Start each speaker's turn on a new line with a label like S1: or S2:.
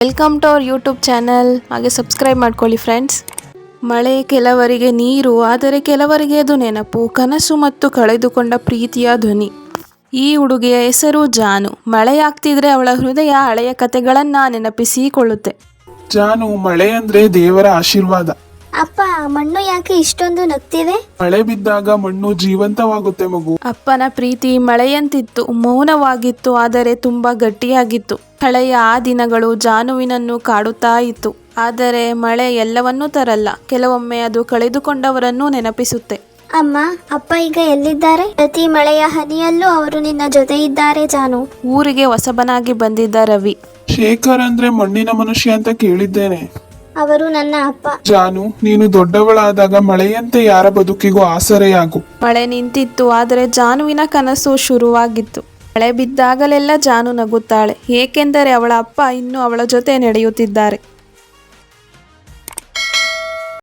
S1: Welcome to our YouTube channel. ಹಾಗೆ subscribe ಮಾಡ್ಕೊಳ್ಳಿ friends. ಮಳೆ ಕೆಲವರಿಗೆ ನೀರು, ಆದರೆ ಕೆಲವರಿಗೆ ಅದು ನೆನಪು, ಕನಸು ಮತ್ತು ಕಳೆದುಕೊಂಡ ಪ್ರೀತಿಯ ಧ್ವನಿ. ಈ ಹುಡುಗಿಯ ಹೆಸರು ಜಾನು. ಮಳೆಯಾಗ್ತಿದ್ರೆ ಅವಳ ಹೃದಯ ಹಳೆಯ ಕತೆಗಳನ್ನ ನೆನಪಿಸಿಕೊಳ್ಳುತ್ತೆ.
S2: ಜಾನು, ಮಳೆ ಅಂದ್ರೆ ದೇವರ ಆಶೀರ್ವಾದ.
S3: ಅಪ್ಪ, ಮಣ್ಣು ಯಾಕೆ ಇಷ್ಟೊಂದು ನಗ್ತಿದೆ?
S2: ಮಳೆ ಬಿದ್ದಾಗ ಮಣ್ಣು ಜೀವಂತವಾಗುತ್ತೆ ಮಗು.
S1: ಅಪ್ಪನ ಪ್ರೀತಿ ಮಳೆಯಂತಿತ್ತು, ಮೌನವಾಗಿತ್ತು, ಆದರೆ ತುಂಬಾ ಗಟ್ಟಿಯಾಗಿತ್ತು. ಹಳೆಯ ಆ ದಿನಗಳು ಜಾನುವಿನನ್ನು ಕಾಡುತ್ತಾ ಇತ್ತು. ಆದರೆ ಮಳೆ ಎಲ್ಲವನ್ನೂ ತರಲ್ಲ, ಕೆಲವೊಮ್ಮೆ ಅದು ಕಳೆದುಕೊಂಡವರನ್ನು ನೆನಪಿಸುತ್ತೆ.
S3: ಅಮ್ಮ, ಅಪ್ಪ ಈಗ ಎಲ್ಲಿದ್ದಾರೆ? ಪ್ರತಿ ಮಳೆಯ ಹನಿಯಲ್ಲೂ ಅವರು ನಿನ್ನ ಜೊತೆ ಇದ್ದಾರೆ ಜಾನು.
S1: ಊರಿಗೆ ಹೊಸಬನಾಗಿ ಬಂದಿದ್ದ ರವಿ.
S2: ಶೇಖರ್ ಅಂದ್ರೆ ಮಣ್ಣಿನ ಮನುಷ್ಯ ಅಂತ ಕೇಳಿದ್ದೇನೆ.
S3: ಅವರು ನನ್ನ ಅಪ್ಪ.
S2: ಜಾನು, ನೀನು ದೊಡ್ಡವಳಾದಾಗ ಮಳೆಯಂತೆ ಯಾರ ಬದುಕಿಗೂ ಆಸರೆಯಾಗು.
S1: ಮಳೆ ನಿಂತಿತ್ತು, ಆದರೆ ಜಾನುವಿನ ಕನಸು ಶುರುವಾಗಿತ್ತು. ಮಳೆ ಬಿದ್ದಾಗಲೆಲ್ಲ ಜಾನು ನಗುತ್ತಾಳೆ, ಏಕೆಂದರೆ ಅವಳ ಅಪ್ಪ ಇನ್ನೂ ಅವಳ ಜೊತೆ ನಡೆಯುತ್ತಿದ್ದಾರೆ.